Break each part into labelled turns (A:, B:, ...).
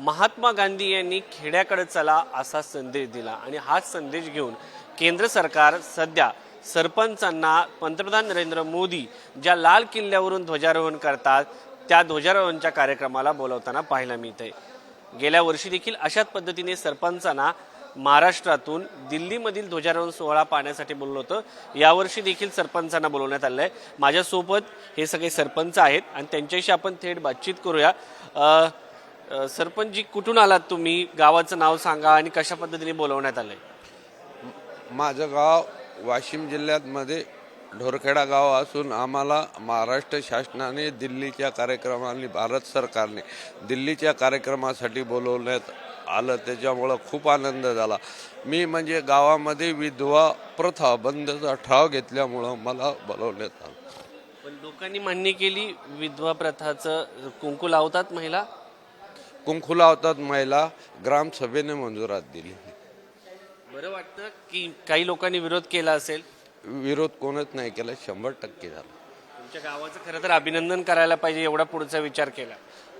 A: महात्मा गांधी यांनी खेड्याकडे चला असा संदेश दिला आणि हाच संदेश घेऊन केंद्र सरकार सध्या सरपंचांना पंतप्रधान नरेंद्र मोदी ज्या लाल किल्ल्यावरून ध्वजारोहण करतात त्या ध्वजारोहणच्या कार्यक्रमाला बोलवताना पाहायला मिळते। गेल्या वर्षी देखील अशाच पद्धतीने सरपंचांना महाराष्ट्रातून दिल्लीमधील ध्वजारोहण सोहळा पाहण्यासाठी बोलवलं होतं। यावर्षी देखील सरपंचांना बोलवण्यात आलं आहे। माझ्यासोबत हे सगळे सरपंच आहेत आणि त्यांच्याशी आपण थेट बातचीत करूया। सरपंचजी, कुठून आलात तुम्ही? गावाचं नाव सांगा आणि कशा पद्धतीने बोलवण्यात आलंय?
B: माझं गाव वाशिम जिल्ह्यामध्ये ढोरखेडा गाव असून आम्हाला महाराष्ट्र शासनाने दिल्लीच्या कार्यक्रमाने भारत सरकारने दिल्लीच्या कार्यक्रमासाठी बोलवण्यात आलं, त्याच्यामुळं खूप आनंद झाला। मी म्हणजे गावामध्ये विधवा प्रथा बंदचा ठराव घेतल्यामुळं मला बोलवण्यात आलं।
A: पण लोकांनी मान्य केली विधवा प्रथाचं कुंकू लावतात महिला?
B: कुंकू लावतात महिला, ग्रामसभेने मंजुरात दिली।
A: बरं वाटतं की काही लोकांनी विरोध केला असेल?
B: विरोध कोणच नाही केला, 100% झाला।
A: तुमच्या गावाचं खरं तर अभिनंदन करायला पाहिजे, एवढा पुढचा विचार केला।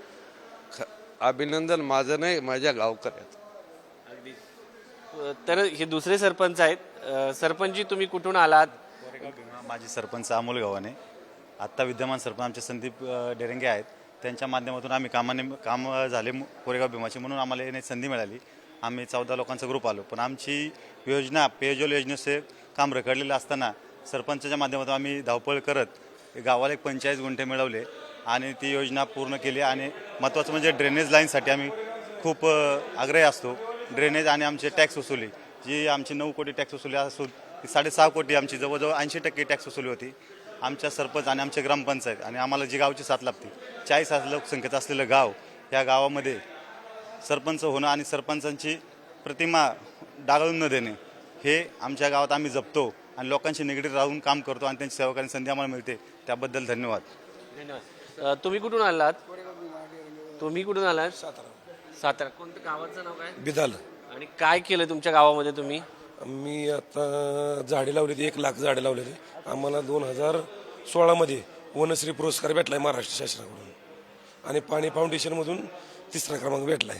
B: अभिनंदन माझं नाही, माझ्या गावकऱ्याचं।
A: अगदी। तर हे दुसरे सरपंच आहेत। सरपंचजी, तुम्ही कुठून आलात?
C: माझे सरपंच अमोल गावाने, आत्ता विद्यमान सरपंच आमचे संदीप डेरंगे आहेत। त्यांच्या माध्यमातून आम्ही काम झाले कोरेगाव भीमाचे म्हणून आम्हाला येण्याची संधी मिळाली। आम्ही 14 लोकांचा ग्रुप आलो, पण आमची योजना पेयजल योजनेचे काम रखडलेलं असताना सरपंचाच्या माध्यमातून आम्ही धावपळ करत गावाला 45 गुंठे मिळवले आणि ती योजना पूर्ण केली। आणि महत्त्वाचं म्हणजे ड्रेनेज लाईनसाठी आम्ही खूप आग्रही असतो। ड्रेनेज आणि आमचे टॅक्स वसुली, जी आमची 9 कोटी टॅक्स वसुली असून ती 6.5 कोटी आमची जवळजवळ 80% टॅक्स वसुली होती। आमच्या सरपंच आणि आमचे ग्रामपंचायत आणि आम्हाला जी गावची साथ लागते, 40,000 लोकसंख्येचं असलेलं गाव, या गावामध्ये सरपंच होणं आणि सरपंचांची प्रतिमा डागाळून न देणे हे आमच्या गावात आम्ही जपतो आणि लोकांशी निगडीत राहून काम करतो आणि त्यांची सेवा करण्याची संधी आम्हाला मिळते, त्याबद्दल धन्यवाद।
A: धन्यवाद। तुम्ही कुठून आलात? तुम्ही कुठून आलात? सातारा। कोणतं गावाचं नाव काय?
D: बिदाल।
A: आणि काय केलं तुमच्या गावामध्ये तुम्ही?
D: मी आता झाडे लावलेली, 1 लाख झाडे लावलेली। आम्हाला 2016 मध्ये वनश्री पुरस्कार भेटलाय महाराष्ट्र शासनाकडून आणि पाणी फाउंडेशनमधून 3रा क्रमांक भेटलाय।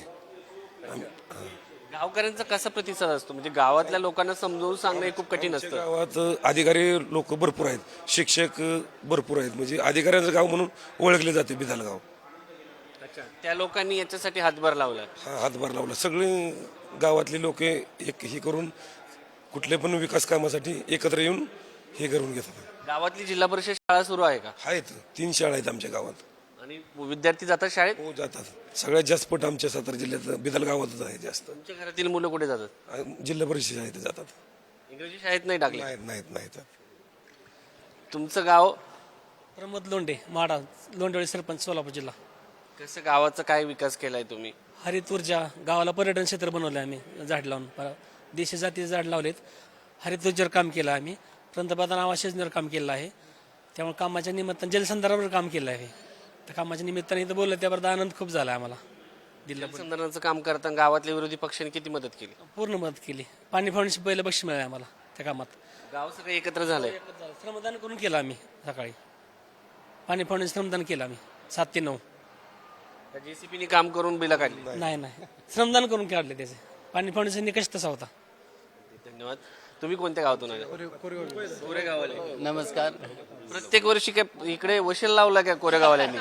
A: गावकऱ्यांचा कसा प्रतिसाद असतो? म्हणजे गावातल्या लोकांना समजावून सांगणं हे खूप कठीण असतं।
D: गावात अधिकारी लोक भरपूर आहेत, शिक्षक भरपूर आहेत, म्हणजे अधिकाऱ्यांचं गाव म्हणून ओळखले जाते बिदाल गाव।
A: अच्छा, त्या लोकांनी याच्यासाठी हातभार लावला?
D: हा, हातभार लावला। सगळे गावातले लोक एक हे करून कुठले पण विकास कामासाठी एकत्र येऊन हे करून घेतात।
A: गावातली जिल्हा परिषद शाळा सुरू आहे का?
D: आहेत, 3 शाळा आहेत आमच्या गावात।
A: आणि विद्यार्थी जातात शाळेत?
D: हो, जातात। सगळ्यात जास्त पट आमच्या सातारा जिल्ह्यात बिदाल गावातच आहे जास्त।
A: तुमच्या घरातील मुलं कुठे जातात?
D: जिल्हा परिषद शाळेत जातात।
A: इंग्रजी शाळेत नाही टाकले?
D: नाहीत।
A: तुमचं गाव?
E: प्रमोद लोंढे, माडा, लोंढेवाडी सरपंच, सोलापूर जिल्हा।
A: कसं गावाचा काय विकास केलाय तुम्ही?
E: हरित ऊर्जा, गावाला पर्यटन क्षेत्र बनवलं आम्ही, झाड लावून देशी जातीचे झाड लावलेत। हरित ऊर्जेवर काम केलं आम्ही, पंतप्रधान आवास योजनेवर काम केलं आहे। त्यामुळे कामाच्या निमित्तानं जलसंधारणावर काम केलं आहे। त्या कामाच्या निमित्ताने इथं बोललं, त्याबद्दल आनंद खूप झाला आम्हाला।
A: जलसंधारणाचं काम करताना गावातल्या विरोधी पक्षांनी किती मदत केली?
E: पूर्ण मदत केली। पाणी फाउंडेशन पहिलं बक्षीस मिळालं आम्हाला त्या कामात।
A: गाव सगळं एकत्र झालंय?
E: श्रमदान करून केलं आम्ही सकाळी। पाणी फाउंडेशन श्रमदान केलं आम्ही 7 ते 9।
A: JCPने काम करून बिला काढली?
E: नाही, श्रमदान करून काढले त्याचे। पाणी फाउंडेशन निकष तसा होता।
A: धन्यवाद। तुम्ही कोणत्या गावातून आले? कोरेगावले।
F: नमस्कार।
A: प्रत्येक वर्षी काय इकडे वशील लावला का कोरेगावल्यांनी?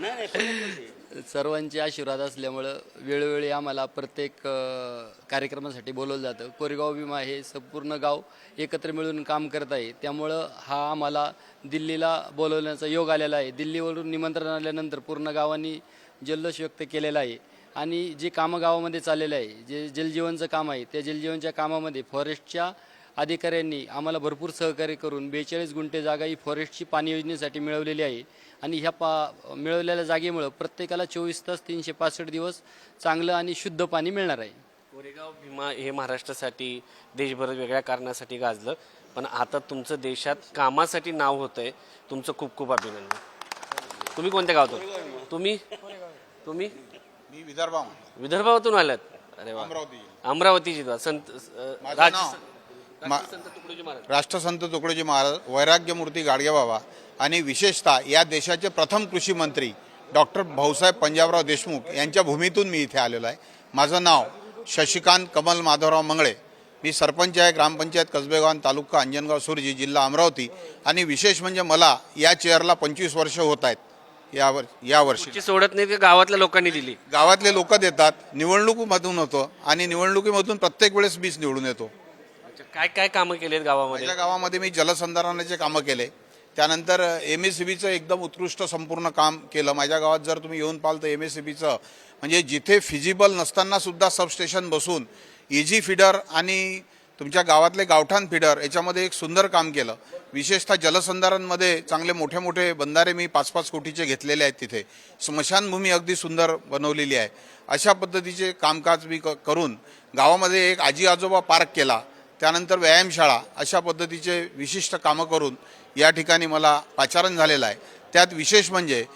F: सर्वांचे आशीर्वाद असल्यामुळं वेळोवेळी आम्हाला प्रत्येक कार्यक्रमासाठी बोलवलं जातं। कोरेगाव भीमा हे संपूर्ण गाव एकत्र मिळून काम करत आहे, त्यामुळं हा आम्हाला दिल्लीला बोलवण्याचा योग आलेला आहे। दिल्लीवरून निमंत्रण आल्यानंतर पूर्ण गावांनी जल्लोष व्यक्त केलेला आहे आणि जे कामं गावामध्ये चाललेलं आहे, जे जलजीवनचं काम आहे, त्या जलजीवनच्या कामामध्ये फॉरेस्टच्या अधिकाऱ्यांनी आम्हाला भरपूर सहकार्य करून 42 गुंठे जागा ही फॉरेस्टची पाणी योजनेसाठी मिळवलेली आहे आणि ह्या मिळवलेल्या जागेमुळं प्रत्येकाला 24 तास 365 दिवस चांगलं आणि शुद्ध पाणी मिळणार आहे।
A: कोरेगाव भीमा हे महाराष्ट्रासाठी देशभरात वेगळ्या कारणासाठी गाजलं, पण आता तुमचं देशात कामासाठी नाव होतंय। तुमचं खूप खूप अभिनंदन। तुम्ही कोणत्या गावातून? तुम्ही?
G: मी
A: विदर्भातून आलात? अरे वा। अमरावती जिल्हा।
G: राष्ट्रसंत तुकडोजी महाराज, वैराग्यमूर्ती गाडगे बाबा आणि विशेषतः या देशाचे प्रथम कृषी मंत्री डॉक्टर भाऊसाहेब पंजाबराव देशमुख यांच्या भूमीतून मी इथे आलेलो आहे. माझं नाव शशिकांत कमल माधवराव मंगळे. मी सरपंच आहे ग्रामपंचायत कसबेगाव तालुका अंजनगाव सुरजी जिल्हा अमरावती. आणि विशेष म्हणजे मला या चेअरला 25 वर्ष होत आहेत. यावर्षी
A: तुमची सोडत नाही की गावातल्या लोकांनी दिली?
G: गावातले लोक देतात, निवडणुकीमधून होतं आणि निवडणुकीमधून प्रत्येक वेळेस मीच निवडून येतो.
A: काय काय कामं केली आहेत गावामध्ये?
G: माझ्या गावामध्ये मी जलसंधारणाचे कामं केले. त्यानंतर MSCBचं एकदम उत्कृष्ट संपूर्ण काम केलं. माझ्या गावात जर तुम्ही येऊन पाहाल तर MSCBचं म्हणजे जिथे फिजिबल नसताना सुद्धा सबस्टेशन बसून इजी फीडर आणि तुमच्या गावातले गावठाण फीडर याच्यामध्ये एक सुंदर काम केलं. विशेषतः जलसंधारणमध्ये चांगले मोठे मोठे बंधारे मी 5-5 कोटीचे घेतलेले आहेत. तिथे स्मशानभूमी अगदी सुंदर बनवलेली आहे. अशा पद्धतीचे कामकाज मी करून गावामध्ये एक आजी आजोबा पार्क केला. त्यानंतर व्यायामशाळा अशा पद्धतीचे विशिष्ट कामं करून या ठिकाणी मला पाचारण झालेलं आहे. त्यात विशेष म्हणजे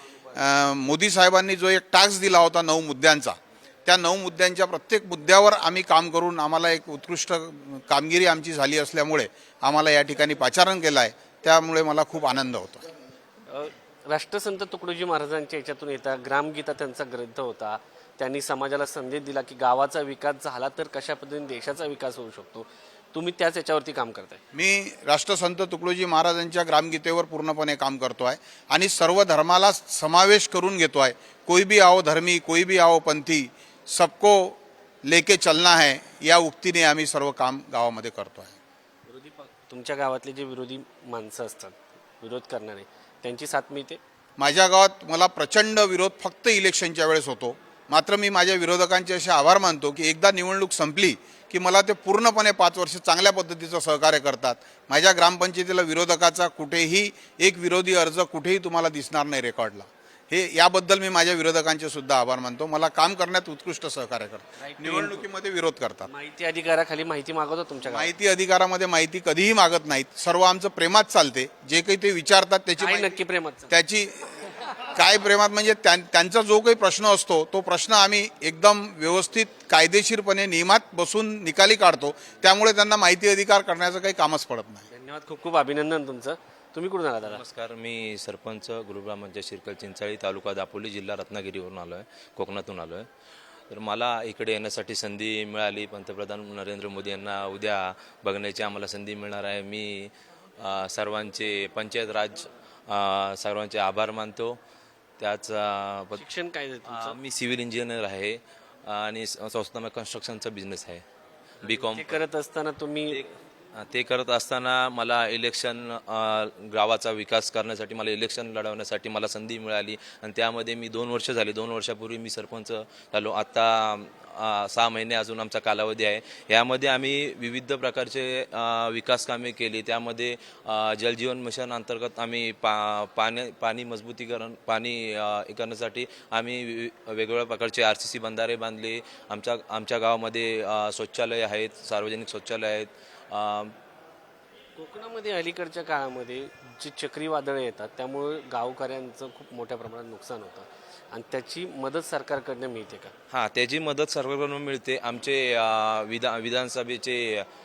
G: मोदी साहेबांनी जो एक टास्क दिला होता 9 मुद्द्यांचा, त्या 9 मुद्द्यांच्या प्रत्येक मुद्द्यावर आम्ही काम करून आम्हाला एक उत्कृष्ट कामगिरी आमची झाली असल्यामुळे आम्हाला या ठिकाणी पाचारण केलं आहे. त्यामुळे मला खूप आनंद होतो.
A: राष्ट्रसंत तुकडोजी महाराजांच्या याच्यातून येता ग्रामगीता त्यांचा ग्रंथ होता. त्यांनी समाजाला संदेश दिला की गावाचा विकास झाला तर कशा पद्धतीने देशाचा विकास होऊ शकतो. तुम्ही त्याच याच्यावरती काम करताय.
G: मी राष्ट्रसंत तुकडोजी महाराजांच्या ग्रामगीतेवर पूर्णपणे काम करतो आहे आणि सर्व धर्माला समावेश करून घेतो आहे. कोई भी आओ धर्मी, कोई भी आओ पंथी, सबको लेके चलना है या उक्तीने आम्ही सर्व काम गावामध्ये करतो आहे.
A: तुमच्या गावातले जे विरोधी माणसं असतात, विरोध करणारे, त्यांची साथ मिळते?
G: माझ्या गावात मला प्रचंड विरोध फक्त इलेक्शनच्या वेळेस होतो. मात्र मी माझ्या विरोधकांचे असे आभार मानतो की एकदा निवडणूक संपली की मला ते पूर्णपणे 5 वर्ष चांगल्या पद्धतीचं सहकार्य करतात. माझ्या ग्रामपंचायतीला विरोधकाचा कुठेही एक विरोधी अर्ज कुठेही तुम्हाला दिसणार नाही रेकॉर्डला. याबद्दल मी माझ्या विरोधकांचे सुद्धा आभार मानतो. मला काम करण्यात उत्कृष्ट सहकार्य करतात. निवडणुकीमध्ये विरोध करतात.
A: माहिती अधिकाराखाली माहिती मागवतो तुमच्या गावात?
G: माहिती अधिकारामध्ये माहिती कधीही मागत नाहीत. सर्व आमचं प्रेमात चालते. जे काही ते विचारतात त्याची
A: काय
G: माहिती-
A: नक्की प्रेमात?
G: त्याची काय प्रेमात म्हणजे त्यांचा जो काही प्रश्न असतो तो प्रश्न आम्ही एकदम व्यवस्थित कायदेशीरपणे नियमात बसून निकाली काढतो. त्यामुळे त्यांना माहिती अधिकार करण्याचं काही कामच पडत नाही.
A: धन्यवाद, खूप खूप अभिनंदन तुमचं. तुम्ही कुठून आला दादा?
H: नमस्कार, मी सरपंच गुरुब्राह्मणच्या शिरकल चिंचाळी तालुका दापोली जिल्हा रत्नागिरीवरून आलो आहे, कोकणातून आलो आहे. तर मला इकडे येण्यासाठी संधी मिळाली. पंतप्रधान नरेंद्र मोदी यांना उद्या बघण्याची आम्हाला संधी मिळणार आहे. मी सर्वांचे पंचायत राज सर्वांचे आभार मानतो. त्याच
A: शिक्षण काय आहे तुमचं?
H: मी सिव्हिल इंजिनियर आहे आणि संस्थात्मक कन्स्ट्रक्शनचा बिझनेस आहे. B.Com
A: ते करत असताना तुम्ही
H: ते करत असताना मला इलेक्शन गावाचा विकास करण्यासाठी मला इलेक्शन लढवण्यासाठी मला संधी मिळाली आणि त्यामध्ये मी 2 वर्ष झाली. 2 वर्षापूर्वी मी सरपंच झालो. आत्ता 6 महिने अजून आमचा कालावधी आहे. यामध्ये आम्ही विविध प्रकारचे विकास कामे केली. त्यामध्ये जलजीवन मिशन अंतर्गत आम्ही पाणी मजबूतीकरण पाणी करण्यासाठी आम्ही वेगवेगळ्या प्रकारचे RCC बंधारे बांधले. आमच्या गावामध्ये शौचालय आहेत, सार्वजनिक शौचालय आहेत.
A: कोकणामध्ये अलीकडच्या काळामध्ये जी चक्रीवादळे येतात त्यामुळे गावकऱ्यांचं खूप मोठ्या प्रमाणात नुकसान होतं आणि त्याची मदत सरकारकडनं मिळते का?
H: हां, त्याची मदत सरकारकडून मिळते. आमचे विधानसभेचे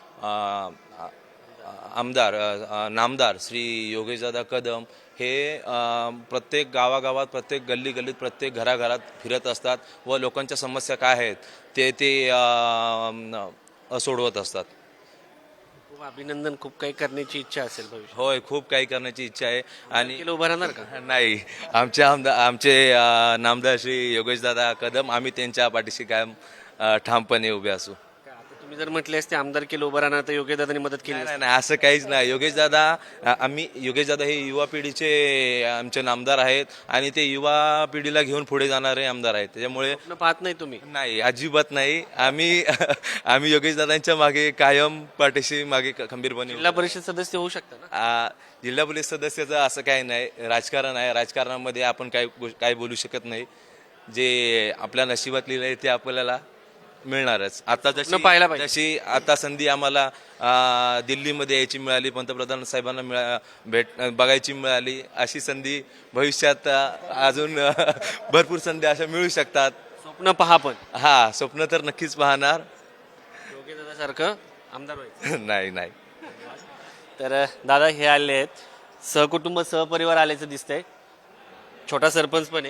H: आमदार नामदार श्री योगेशदादा कदम हे प्रत्येक गावागावात, प्रत्येक गल्लीगल्लीत, प्रत्येक घराघरात फिरत असतात व लोकांच्या समस्या काय आहेत ते सोडवत असतात.
A: खूप अभिनंदन. खूप काही करण्याची इच्छा असेल भविष्यात?
H: होय, खूप काही करण्याची इच्छा आहे. आणि
A: केलं उभं राहणार का?
H: नाही, आमचे नामदार श्री योगेशदादा कदम, आम्ही त्यांच्या पाठीशी कायम ठामपणे उभे असू.
A: आता तुम्ही जर म्हटले असते आमदार केलं उभं राहणार तर योग्य दादांनी मदत केली
H: नाही, असं काहीच नाही. योगेशदादा हे युवा पिढीचे आमचे नामदार आहेत आणि ते युवा पिढीला घेऊन पुढे जाणारे आमदार आहेत. त्याच्यामुळे
A: असती? पाहत नाही तुम्ही?
H: नाही, अजिबात नाही. आम्ही योगेशदादांच्या मागे कायम पाठीशी मागे खंबीरपणे
A: जिल्हा परिषद सदस्य होऊ शकता ना?
H: जिल्हा पोलीस सदस्याचं असं काही नाही. राजकारण आहे. राजकारणामध्ये आपण काय बोलू शकत नाही. जे आपल्या नशिबात लिहिलं आहे ते आपल्याला मिळणारच. आता
A: पाहायला पाहिजे.
H: जशी आता संधी आम्हाला दिल्लीमध्ये यायची मिळाली, पंतप्रधान साहेबांना बघायची मिळाली, अशी संधी भविष्यात अजून भरपूर संधी अशा मिळू शकतात.
A: स्वप्न पहा पण.
H: हा, स्वप्न तर नक्कीच पाहणार.
A: योग्य दादासारखं आमदार व्हायचं.
H: नाही.
A: तर दादा हे आले आहेत, सहकुटुंब सहपरिवार आल्याचं दिसतंय. छोटा सरपंच पण आहे.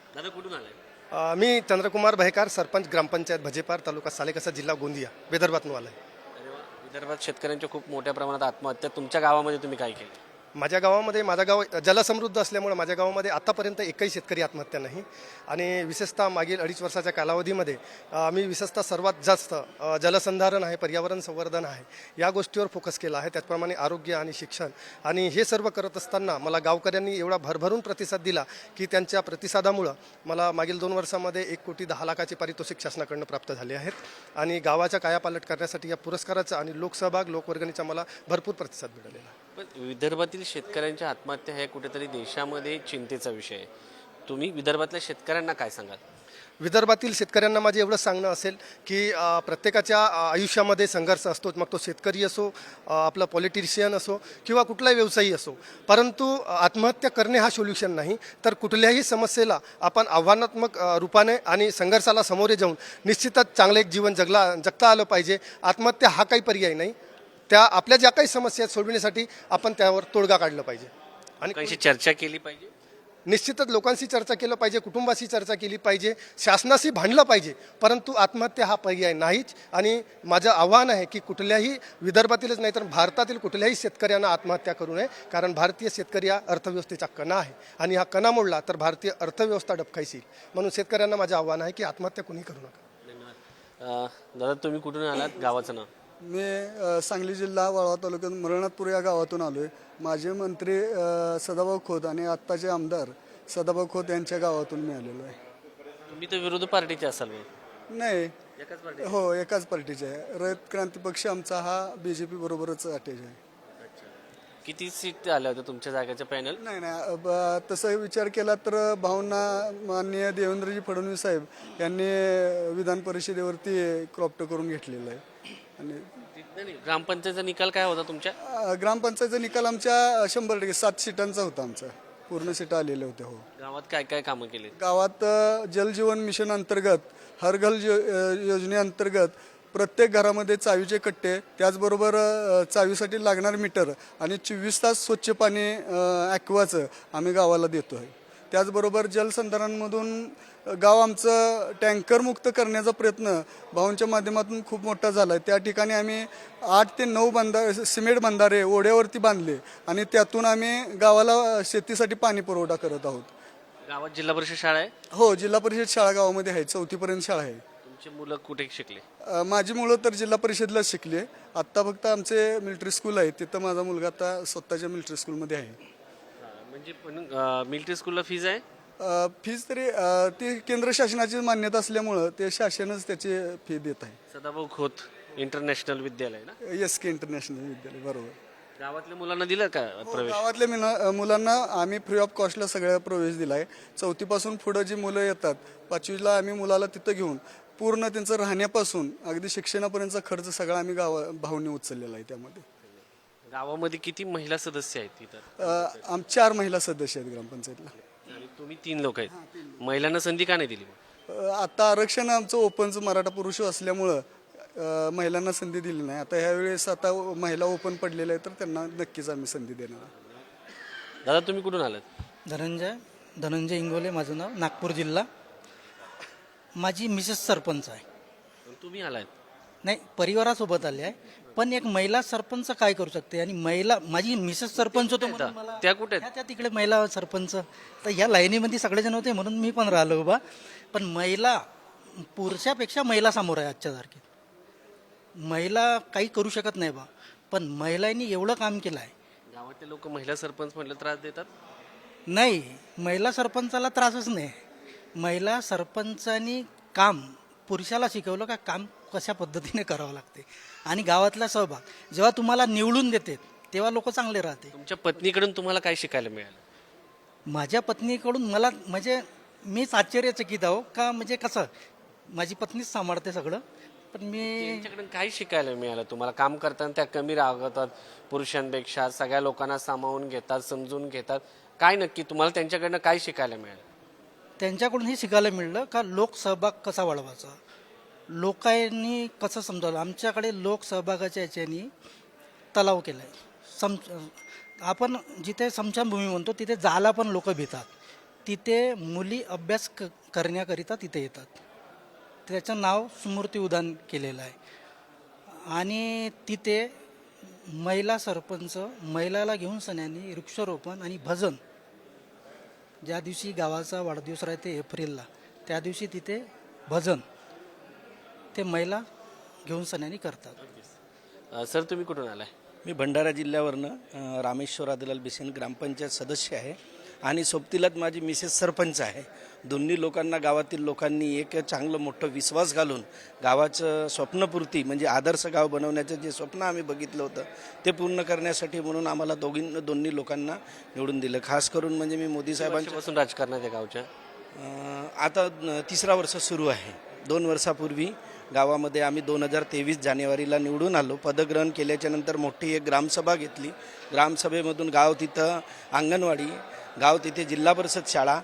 A: दादा कुठून आलाय?
I: मी चंद्रकुमार बहेकार, सरपंच ग्रामपंचायत भजेपार, तालुका सालेकसा, जिल्हा गोंदिया, विदर्भातून आलो आहे.
A: अरे वा. विदर्भात शेतकऱ्यांच्या खूप मोठ्या प्रमाणात आत्महत्या, तुमच्या गावामध्ये तुम्ही काय केलं?
I: माझ्या गावामध्ये, माझं गाव जलसमृद्ध असल्यामुळे माझ्या गावामध्ये आतापर्यंत एकही शेतकरी आत्महत्या नाही. आणि विशेषतः मागील 2.5 वर्षाच्या कालावधीमध्ये मी विशेषतः सर्वात जास्त जलसंधारण आहे, पर्यावरण संवर्धन आहे, या गोष्टीवर फोकस केला आहे. त्याचप्रमाणे आरोग्य आणि शिक्षण, आणि हे सर्व करत असताना मला गावकऱ्यांनी एवढा भरभरून प्रतिसाद दिला की त्यांच्या प्रतिसादामुळं मला मागील 2 वर्षामध्ये 1,10,00,000चे पारितोषिक शासनाकडून प्राप्त झाले आहेत. आणि गावाच्या कायापालट करण्यासाठी या पुरस्काराचा आणि लोकसहभाग, लोकवर्गणीचा मला भरपूर प्रतिसाद मिळालेला आहे.
A: पण विदर्भातील शेतकऱ्यांच्या आत्महत्या हे कुठेतरी देशामध्ये चिंतेचा विषय आहे. तुम्ही विदर्भातल्या शेतकऱ्यांना काय सांगाल?
I: विदर्भातील शेतकऱ्यांना माझे एवढं सांगणं असेल की प्रत्येकाच्या आयुष्यामध्ये संघर्ष असतो, मग तो शेतकरी असो, आपला पॉलिटिशियन असो किंवा कुठलाही व्यवसायी असो. परंतु आत्महत्या करणे हा सोल्युशन नाही, तर कुठल्याही समस्येला आपण आव्हानात्मक रूपाने आणि संघर्षाला सामोरे जाऊन निश्चितच चांगले एक जीवन जगता आलं पाहिजे. आत्महत्या हा काही पर्याय नाही. त्या आपल्या ज्या काही समस्या आहेत सोडविण्यासाठी आपण त्यावर तोडगा काढला पाहिजे. आणि
A: लोकांशी चर्चा केली पाहिजे.
I: निश्चितच लोकांशी चर्चा केलं पाहिजे, कुटुंबाशी चर्चा केली पाहिजे, शासनाशी भांडलं पाहिजे. परंतु आत्महत्या हा पर्याय नाहीच. आणि माझं आव्हान आहे की कुठल्याही विदर्भातीलच नाही तर भारतातील कुठल्याही शेतकऱ्यांना आत्महत्या करू नये, कारण भारतीय शेतकरी हा अर्थव्यवस्थेचा कणा आहे आणि हा कणा मोडला तर भारतीय अर्थव्यवस्था डबकायची. म्हणून शेतकऱ्यांना माझं आव्हान आहे की आत्महत्या कुणी करू नका.
A: धन्यवाद. दादा तुम्ही कुठून आलात? गावाचं नाव?
J: मी सांगली जिल्हा वाळवा तालुक्यात मरणतपूर या गावातून आलो आहे. माजी मंत्री सदाभाऊ खोत आणि आत्ताचे आमदार सदाभाऊ खोत यांच्या गावातून मी आलेलो आहे.
A: तुम्ही तर विरोधी पार्टीचे असाल मग?
J: नाही,
A: एकाच पार्टी?
J: हो, एकाच पार्टीचे आहे. रयत क्रांती पक्ष आमचा हा BJP बरोबरच अटॅच आहे.
A: किती सीट आल्या होत्या तुमच्या जागेच्या पॅनल?
J: नाही, तसं विचार केला तर भावना माननीय देवेंद्रजी फडणवीस साहेब यांनी विधान परिषदेवरती क्रॉप्ट करून घेतलेलं आहे. आणि
A: ग्रामपंचायतचा निकाल काय होता तुमच्या?
J: ग्रामपंचायतचा निकाल आमच्या 100% 7 सीटांचा होता. आमचा पूर्ण सीटा आलेल्या होत्या. हो.
A: गावात काय काय कामं केली?
J: गावात जलजीवन मिशन अंतर्गत, हर घर योजनेअंतर्गत प्रत्येक घरामध्ये चावीचे कट्टे, त्याचबरोबर चावीसाठी लागणार मीटर आणि 24 तास स्वच्छ पाणी ॲक्वाचं आम्ही गावाला देतो आहे. त्याचबरोबर जलसंधारणमधून गाव आमचं टँकरमुक्त करण्याचा प्रयत्न भाऊंच्या माध्यमातून खूप मोठा झाला आहे. त्या ठिकाणी आम्ही 8 ते 9 सिमेंट बंधारे ओढ्यावरती बांधले आणि त्यातून आम्ही गावाला शेतीसाठी पाणी पुरवठा करत आहोत.
A: गावात जिल्हा परिषद शाळा आहे?
J: हो, जिल्हा परिषद शाळा गावामध्ये आहे. 4थी पर्यंत शाळा आहे.
A: तुमची मुलं कुठे शिकले?
J: माझी मुलं तर जिल्हा परिषदलाच शिकली. आत्ता फक्त आमचे मिलिटरी स्कूल आहे, तिथं माझा मुलगा आता स्वतःच्या मिलिटरी स्कूलमध्ये आहे.
A: म्हणजे पण मिलिटरी स्कूलला फीज आहे?
J: फीज तरी ती केंद्र शासनाची मान्यता असल्यामुळं ते शासनच त्याची फी देत आहे.
A: सदाभाऊ खोत इंटरनॅशनल विद्यालय ना?
J: SK इंटरनॅशनल विद्यालय, बरोबर.
A: गावातल्या मुलांना दिलं का प्रवेश?
J: गावातल्या मुलांना आम्ही फ्री ऑफ कॉस्टला सगळ्या प्रवेश दिला आहे. 4थी पासून पुढं जी मुलं येतात, 5वीला आम्ही मुलाला तिथं घेऊन पूर्ण त्यांचं राहण्यापासून अगदी शिक्षणापर्यंतचा खर्च सगळा आम्ही भाऊंनी उचललेला आहे. त्यामध्ये
A: गावामध्ये किती महिला सदस्य आहेत तिथं?
J: 4 महिला सदस्य आहेत ग्रामपंचायतला.
A: आणि तुम्ही 3 लोक आहेत. महिलांना संधी का नाही दिली?
J: आता आरक्षण आमचं ओपनचं मराठा पुरुष असल्यामुळं महिलांना संधी दिली नाही. आता ह्यावेळेस आता महिला ओपन पडलेल्या आहेत तर त्यांना नक्कीच आम्ही संधी देणार.
A: दादा तुम्ही कुठून आलात?
K: धनंजय इंगोले माझं नाव, नागपूर जिल्हा. माझी मिसेस सरपंच आहे.
A: तुम्ही आलात?
K: नाही, परिवारासोबत आले आहे. पण एक महिला सरपंच काय करू शकते? आणि माझी मिसेस सरपंच होतो म्हणून मला
A: त्या कुठे?
K: त्या तिकडे महिला सरपंच, तर ह्या लाईनीमध्ये सगळेजण होते म्हणून मी पण राहिलो उभा. पण महिला पुरुषापेक्षा महिला समोर आहे आजच्या तारखेत. महिला काही करू शकत नाही बा, पण महिलांनी एवढं काम केलं आहे.
A: गावातले लोक महिला सरपंच म्हटलं त्रास देतात?
K: नाही, महिला सरपंचाला त्रासच नाही. महिला सरपंचानी काम पुरुषाला शिकवलं का काम कशा पद्धतीने करावं लागते. आणि गावातला सहभाग जेव्हा तुम्हाला निवडून देते तेव्हा लोक चांगले राहते.
A: तुमच्या पत्नीकडून तुम्हाला काय शिकायला मिळालं?
K: माझ्या पत्नीकडून मला म्हणजे मीच आश्चर्यचकित आहो का, म्हणजे कसं माझी पत्नीच सांभाळते सगळं. पण मी
A: त्यांच्याकडून काय शिकायला मिळालं तुम्हाला? काम करताना त्या कमी रागवतात पुरुषांपेक्षा, सगळ्या लोकांना सामावून घेतात, समजून घेतात. काय नक्की तुम्हाला त्यांच्याकडनं काय शिकायला मिळालं?
K: त्यांच्याकडून हे शिकायला मिळलं का लोकसहभाग कसा वाढवायचा, लोकांनी कसं समजावलं. आमच्याकडे लोकसहभागाच्या याच्यानी तलाव केला आहे. आपण जिथे स्मशानभूमी म्हणतो तिथे जायला पण लोक भितात. तिथे मुली अभ्यास करण्याकरिता तिथे येतात. त्याचं नाव स्मृती उद्यान केलेलं आहे. आणि तिथे महिला सरपंच महिलाला घेऊन सणांनी वृक्षारोपण आणि भजन, ज्या दिवशी गावाचा वाढदिवस राहते एप्रिलला, त्या दिवशी तिथे भजन ते महिला घेऊन सणांनी करतात.
A: सर तुम्ही कुठून आलाय?
L: मी भंडारा जिल्ह्यावरनं रामेश्वर आदिलाल बिसेन ग्रामपंचायत सदस्य आहे आणि सोबतीलाच माझी मिसेस सरपंच आहे. दोन्ही लोकांना गावातील लोकांनी एक चांगलं मोठं विश्वास घालून गावाचं स्वप्नपूर्ती म्हणजे आदर्श गाव बनवण्याचं जे स्वप्न आम्ही बघितलं होतं ते पूर्ण करण्यासाठी म्हणून आम्हाला दोन्ही लोकांना निवडून दिलं. खास करून म्हणजे मी मोदी साहेबांच्यापासून
A: राजकारणात आहे गावच्या
L: आता 3रा वर्ष सुरू आहे. 2 वर्षापूर्वी गावामध्ये आम्ही 2023 जानेवारीला निवडून आलो. पदग्रहण केल्याच्या नंतर मोठी एक ग्रामसभा घेतली. ग्रामसभेमधून गाव तिथं अंगणवाडी, गाव तिथे जिल्हा परिषद शाळा,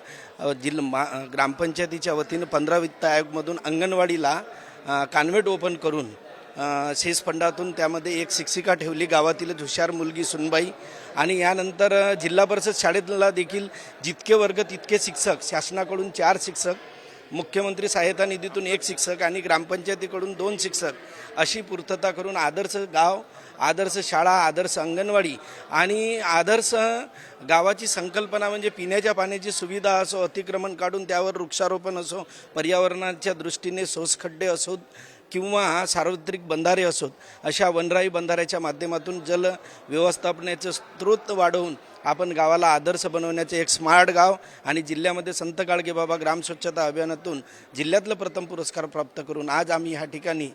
L: ग्रामपंचायतीच्या वतीनं 15 वित्त आयोगमधून अंगणवाडीला कॉन्व्हेंट ओपन करून शेष फंडातून त्यामध्ये एक शिक्षिका ठेवली, गावातील हुशार मुलगी सुनबाई. आणि यानंतर जिल्हा परिषद शाळेला देखील जितके वर्ग तितके शिक्षक, शासनाकडून 4 शिक्षक, मुख्यमंत्री सहायता निधीतून 1 शिक्षक आणि ग्रामपंचायतीकडून 2 शिक्षक अशी पूर्तता करून आदर्श गाव, आदर्श शाळा, आदर्श अंगणवाडी आणि आदर्श गावाची संकल्पना म्हणजे पिण्याच्या पाण्याची सुविधा असो, अतिक्रमण काढून त्यावर वृक्षारोपण असो, पर्यावरणाच्या दृष्टीने सोसखड्डे असोत किंवा सार्वत्रिक बंधारे असोत, अशा वनराई बंधाऱ्याच्या माध्यमातून जल व्यवस्थापनाचे स्रोत वाढवून आपण गावाला आदर्श बनवण्याचे एक स्मार्ट गाव आणि जिल्ह्यामध्ये संत गाडगेबाबा ग्राम स्वच्छता अभियानातून जिल्ह्यातलं प्रथम पुरस्कार प्राप्त करून आज आम्ही ह्या ठिकाणी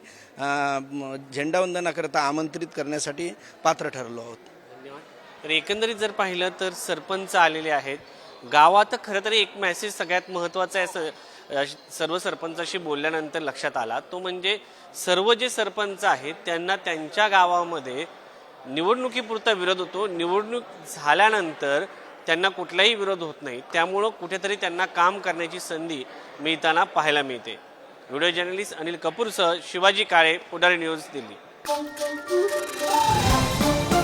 L: झेंडावंदनाकरता आमंत्रित करण्यासाठी पात्र ठरलो आहोत.
A: तर एकंदरीत जर पाहिलं तर सरपंच आलेले आहेत गावात. खरं तर एक मेसेज सगळ्यात महत्त्वाचा आहे सर्व सरपंचाशी बोलल्यानंतर लक्षात आला, तो म्हणजे सर्व जे सरपंच आहेत त्यांना त्यांच्या गावामध्ये निवडणुकीपुरता विरोध होतो, निवडणूक झाल्यानंतर त्यांना कुठलाही विरोध होत नाही. त्यामुळं कुठेतरी त्यांना काम करण्याची संधी मिळताना पाहायला मिळते. व्हिडिओ जर्नलिस्ट अनिल कपूरसह शिवाजी काळे, पुढारी न्यूज, दिल्ली.